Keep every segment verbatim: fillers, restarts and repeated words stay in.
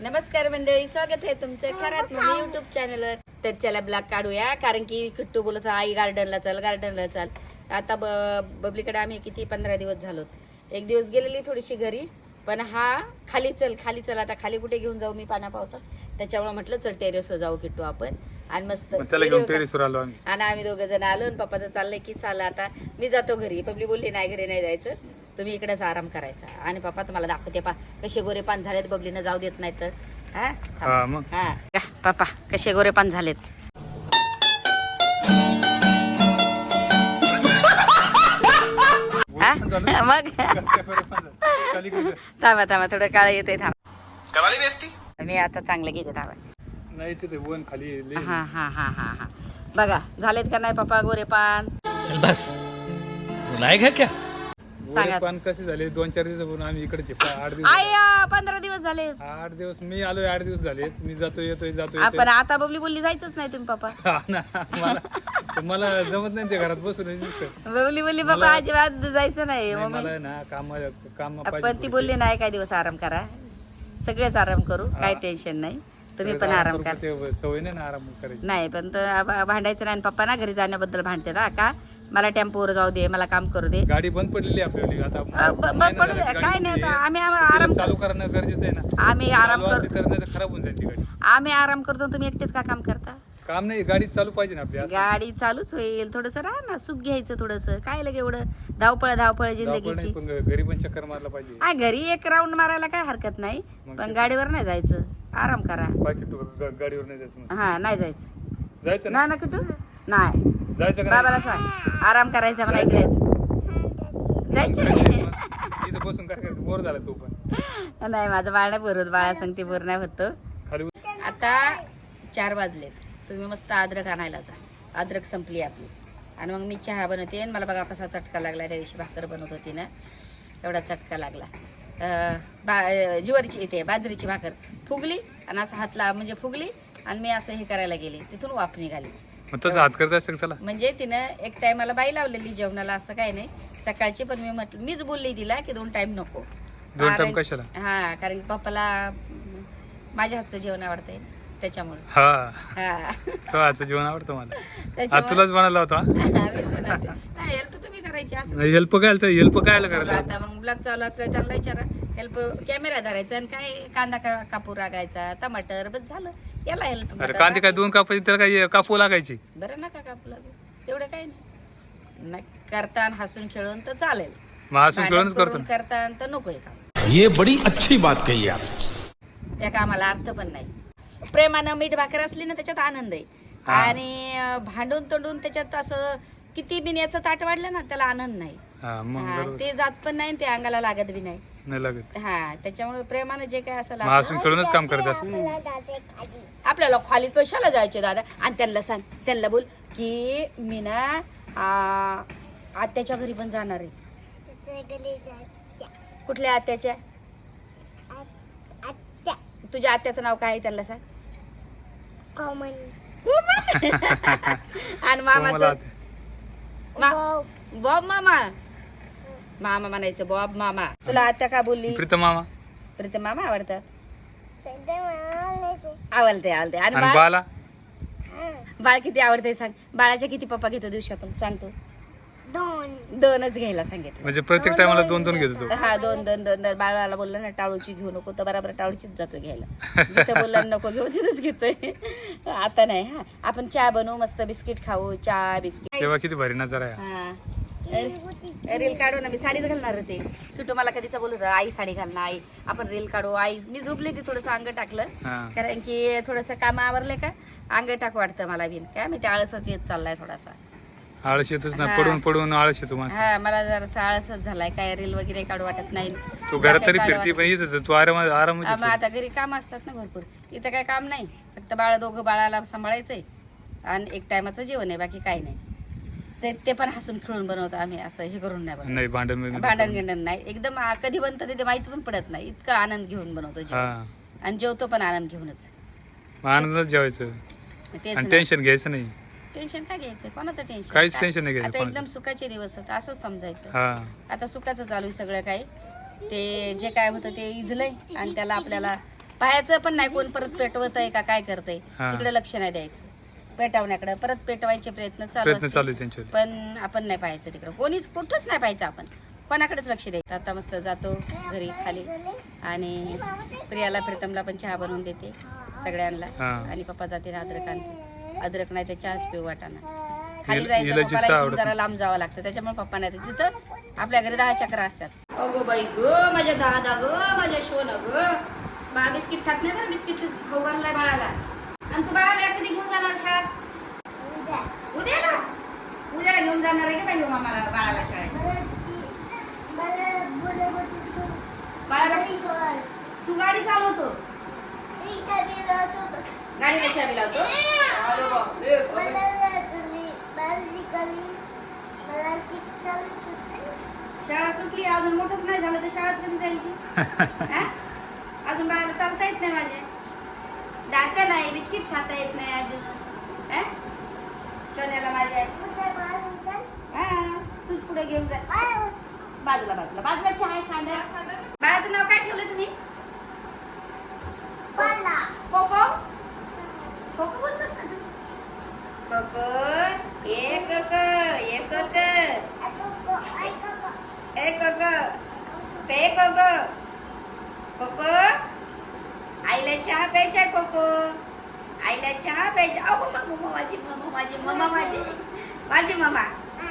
नमस्कार मंडळी, स्वागत आहे तुमचं खरात मम्मी युट्यूब चॅनलवर. तर चला ब्लॉग काढूया, कारण की किट्टू बोलत आई गार्डनला चल गार्डनला चल. आता बबलीकडे आम्ही किती पंधरा दिवस झालो. एक दिवस गेलेली थोडीशी घरी, पण हा खाली चल खाली चल. आता खाली कुठे घेऊन जाऊ मी पाण्या पावसात, त्याच्यामुळे म्हटलं चल टेरेसवर जाऊ किट्टू आपण. आणि मस्त टेरेसवर आलो आम्ही. आणि आम्ही दोघं जण आलो आणि पप्पाचं चाललंय की चाल आता मी जातो घरी. बबली बोलली नाही घरी नाही जायचं, तुम्ही इकडेच आराम करायचा. आणि पप्पा तुम्हाला दाखवते पा कसे गोरे पान झालेत, बबलीनं जाऊ देत नाही तर. हा पप्पा कसे गोरे पान झालेत. मग थांबा थांबा थोडं काळ येते थांबा. मी आता चांगलं घेते थांबा. नाही तिथे वन खाली. हा हा हा हा हा बघा झालेत का नाही पप्पा गोरे पान. चल बस बुलाएगा क्या. सांगा पान कसे झाले. दोन चार दिवस आम्ही इकडे आठ दिवस आय पंधरा दिवस झाले. आठ दिवस मी आलोय. आठ दिवस झाले मी जातो येतोय जातो आपण आता बबली बोलली जायचंच नाही तुम्ही पप्पा. मला मला जमत नाही ते घरात बसून. बबली बोलली पप्पा अजिबात जायचं नाही. मला ना काम काम पण ती बोलली नाही काय दिवस आराम करा, सगळेच आराम करू, काय टेन्शन नाही, तुम्ही पण आराम करा. सवय नाही ना आराम करायची. नाही पण भांडायचं नाही. पप्पा ना घरी जाण्याबद्दल भांडते ना का मला टेम्पोवर जाऊ दे, मला काम करू दे. गाडी बंद पडलेली आपल्याली आता. पडू दे काय नाही, आम्ही आराम चालू करणं गरजेचं आहे ना. आम्ही आराम करतो, खराब होऊन जाईल ती गाडी. आम्ही आराम करतो, तुम्ही एकटेच का काम करता. काम नाही, गाडी चालू पाहिजे ना आपली. गाडी चालूच होईल, थोडस राहा ना, सुख घ्यायचं थोडस. काय लगे एवढं धावपळ धावपळ जिंदगीची. घरी पण चक्कर मारला पाहिजे. हा घरी एक राऊंड मारायला काय हरकत नाही, पण गाडीवर नाही जायचं, आराम करा. बाकी तू गाडीवर नाही जायचं. हा नाही जायचं. जायचं ना ना कुठं नाही जायचं का. बाबाला सांग आराम करायचा मला इकडेच जायचं. इथं बसून काय करायचं, बोर झाला तू पण. नाही माझं बाळ नाही बोर होत, बाळा सांगते बोर नाही होत. खाली आता चार वाजलेत, तुम्ही मस्त अद्रक आणायला जा. अद्रक संपली आपली. आणि मग मी चहा बनवते. आणि मला बघा कसा चटका लागला. त्या दिवशी भाकर बनवत होती ना, एवढा चटका लागला. बा ज्वारीची येते बाजरीची भाकर फुगली आणि असं हातला म्हणजे फुगली आणि मी असं हे करायला गेले, तिथून वाफ निघाली. तसं हात करत असतं चला. म्हणजे तिनं एक टायमाला बाई लावलेली जेवणाला, असं काही नाही सकाळची. पण मी म्हटलं, मीच बोलली तिला की दोन टाइम नको. दोन टाइम कशाला. हा कारण की पप्पाला माझ्या हातचं जेवण आवडतंय त्याच्यामुळे. हा तो हातचं जेवण आवडतं मला. आज तुलाच बनायला होता. हेल्प तुम्ही करायची असं. हेल्प काय हेल्प काय करायला. आता मग ब्लॉग चालू असलं त्याला विचारा, हेल्प कॅमेरा धरायचा आणि काय कांदा कापू लागायचा, टमाटर बस झालं. याला हेल्प. अरे कांदे काय दोन कापायचे, त्याला काय कापू लागायची. बरं नका कापू लागू, तेवढं काही नाही. करता हसून खेळून तर चालेल, हसून खेळूनच करतो. करता तर नको काम. ये बड़ी अच्छी बात कही आप. त्या कामाला अर्थ पण नाही. प्रेमानं मीठ भाकर असली ना त्याच्यात आनंद आहे. आणि भांडून तोंडून त्याच्यात असं किती बिन्याचं ताट वाढलं ना त्याला आनंद नाही. ते जात पण नाही, ते अंगाला लागत बी नाही नाही लागत. हा त्याच्यामुळे प्रेमानं जे काय असं हसून खेळूनच काम करत असतं. आपल्याला खाली कशाला जायचे दादा. आणि त्यांना सांग, त्यांना बोल की मी ना आत्याच्या घरी पण जाणार आहे. कुठल्या आत्याच्या. तुझ्या आत्याचं नाव काय आहे त्यांना सांग. आणि मामाचं बॉब मामा. मामा म्हणायचं बॉब मामा. तुला आत्या का बोलली. प्रीतम मामा. प्रीतम मामा आवडतात. आवडते आवडते. आणि बाळा बाळ किती आवडते सांग. बाळाच्या किती पप्पा घेतो दिवसातून सांगतो. दोन दोनच घ्यायला सांगितलं. म्हणजे प्रत्येक टायमाला दोन दोन घेतो तो. हा दोन दोन दोन दोन. बाळाला बोललं ना टाळूची घेऊ नको तर बरोबर टाळूचीच जातो घ्यायला. जिथं बोलला नको घेऊ तिथंच घेतोय. आता नाही. हा आपण चहा बनवू, मस्त बिस्किट खाऊ, चहा बिस्किट. तेव्हा किती भारी नजर आहे. हा रील काढू ना. मी साडीच घालणार होते. किटू मला कधीच बोलत आई साडी घाल ना, आई आपण रील काढू. आई मी झोपले ती थोडस अंग टाकलं, कारण की थोडस काम आवरले का अंग टाक वाटतं मला बिन. काय मी ते आळसच येत चाललाय थोडासा. आळस येतच ना, पडून पडून आळस येतो. हा मला जरा आळसच झालाय. काय रील वगैरे काढू वाटत नाही. तू घरात तरी फिरती पण येत तू आराम आराम. आता घरी काम असतात ना भरपूर. इथं काय काम नाही, फक्त बाळ दोघं बाळाला सांभाळायचंय आणि एक टायमाचं जेवण आहे, बाकी काही नाही. ते ते पण हसून खेळून बनवतो आम्ही, असं हे करून नाही नाही. भांडण भांडण गिंडण नाही. एकदम कधी बनतं ते माहिती पण पडत नाही. इतकं आनंद घेऊन बनवतो जेवण. आणि जेवतो पण आनंद घेऊनच. आनंदच जेवायचं, टेन्शन घ्यायचं नाही. टेन्शन काय घ्यायचं, कोणाचं टेन्शन. काहीच टेन्शन नाही आता एकदम सुखाचे दिवस होते असंच समजायचं. हा आता सुखाचं चालू आहे सगळं काही. ते जे काय होतं ते इजलंय आणि त्याला आपल्याला पाहायचं पण नाही कोण परत पेटवत आहे का काय करतंय हा. तिकडे लक्ष नाही द्यायचं. पेटवण्याकडे परत पेटवायचे प्रयत्न चालू प्रयत्न असतील. चालू आहे त्यांच्यावर. पण आपण नाही पाहायचं तिकडं, कोणीच कुठंच नाही पाहायचं आपण, कोणाकडेच लक्ष द्यायचं. आता मस्त जातो घरी खाली आणि प्रियाला प्रीतमला पण चहा बनवून देते सगळ्यांना. हा. आणि पप्पा जाते अद्रक आणते, अद्रक नाही तर चहाच पिऊ वाटाना. खाली हिला- जायचं हिला पप्पाला चहा इथून आवडत जरा लांब जावं लागतं, त्याच्यामुळे पप्पा नाही येत. तिथं आपल्या घरी दहा चक्र असतात. अगो बाई ग माझ्या दादा ग माझ्या शोन ग, बाळा बिस्किट खात नाही ना, बिस्किट खाऊ घाललाय बाळाला. आणि तू बाळाला कधी घेऊन जाणार शाळेत? उद्याला उद्याला घेऊन जाणार आहे का बाई मामाला बाळाला शाळेत? बाळाला तू गाडी चालवतो, गाडीला चाबी लावतो. अरे बाप रे बाप. शाळा सुटली अजून मोठंच नाही झालं तर शाळेत कधी जाईल ती? हा? अजून बाळाला चालता येत नाही, माझ्या दात नाही, बिस्किट खाता येत नाही अजून. हा? सोन्याला माझ्या हा तूच पुढे घेऊन जा. बाजूला बाजूला बाजूला चहा आहे, सांडा. बाळाचं नाव काय ठेवलं तुम्ही? कोको कोको बोलतोस ना? कोको ए कोको ए कोको ए कोको पे कोको कोको आईला चहा प्यायचा कोको, आईला चहा प्यायचा. अहो मम्मा माझी मम्मा माझी मम्मा माझी माझी मम्मा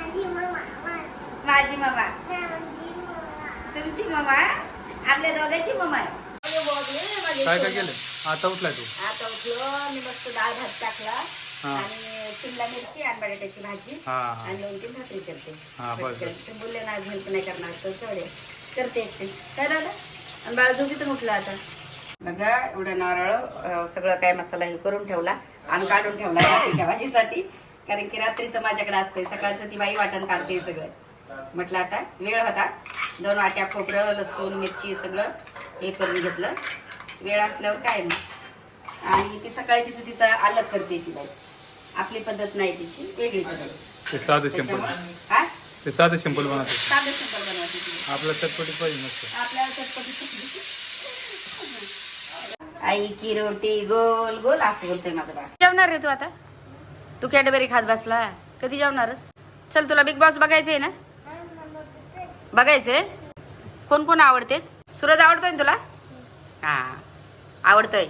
माझी मम्मा तुमची मम्मा आपल्या दोघांची मम्मा आहे. काय काय केलं? आता उठलाय तू? आता उठलो मी, मस्त डाळ भात टाकला हा. आणि शिमला मिरची आणि बटाट्याची भाजी हा हा. आणि दोन तीन भाकरी करते. हा, बरं, बरं. ते बोलले ना आज हेल्प नाही करणार तर चढे करते एकटे. काय दादा? आणि बाळा झोपीतून उठला आता. बघा एवढं नारळ अं, सगळं काय मसाला हे करून ठेवला आणि काढून ठेवला रात्रीच्या भाजीसाठी, कारण की रात्रीचं माझ्याकडे असतंय, सकाळचं ती बाई वाटण काढते सगळं. म्हटलं आता वेळ होता, दोन वाट्या खोबरं लसूण मिरची सगळं हे करून घेतलं. वेळ असल्यावर काय मग. आणि ती सकाळी तिचं तिचं अलग करते ती बाई, आपली पद्धत नाही तिची, वेगळी पद्धत. ते साधं सिंपल, हा ते साधं सिंपल बनवते. साधं सिंपल बनवायची ती. आपलं चटपटीत पाहिजे मस्त. आपल्याला चटपटी आई की रोटी गोल गोल असं बोलतोय माझं बाळ. जेवणार रे तू आता? तू कॅडबरी खात बसला, कधी जेवणारस? चल तुला बिग बॉस बघायचंय ना? बघायचंय. कोण कोण आवडते? सूरज आवडतोय ना तुला? हा आवडतोय.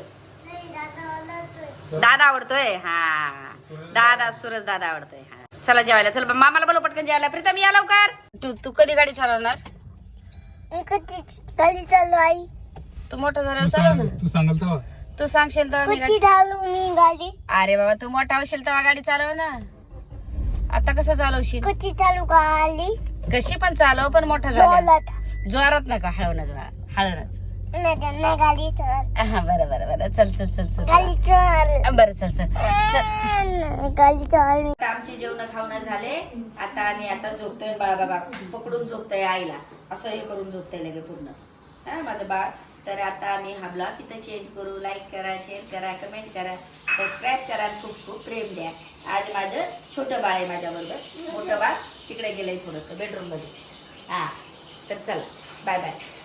दादा आवडतोय. हा दादा सूरज दादा आवडतोय. हा चला जेवायला. चल मामाला बोलव पटकन जेवायला. प्रीतम या लवकर. तू तू कधी गाडी चालवणार? गाडी चालू आई. तू मोठा झाल्यावर चालव ना. तू सांगाल तेव्हा. तू सांगशील तर मी कधी गाडी- चालू मी गाडी. अरे बाबा तू मोठा होशील तेव्हा गाडी चालव ना. आता कसं चालवशील? कधी चालू गाडी. कशी पण चालव, पण मोठा झाला. जोरात. जोरात नका, हळवणच बाळा, हळवणच. नाही नाही गाडी चाल. हा बरं बरं बरं चल चल चल चल गाडी चाल. हा, बरं चल चल चल. गाडी चाल. आता आमचे जेवण खावणं झाले. आता आम्ही आता झोपतोय. बाळा बघा पकडून झोपतोय आईला, असं हे करून झोपतोय लगे पूर्ण. हा माझं बाळ. तर आता आम्ही हा ब्लॉग तिथं चेंज करू. लाईक करा, शेअर करा, कमेंट करा, सबस्क्राईब करा, खूप खूप प्रेम द्या. आज माझं छोटं बाळ आहे माझ्याबरोबर, मोठं बाळ तिकडे गेलंय थोडंसं बेडरूम मध्ये. हा तर चला बाय बाय.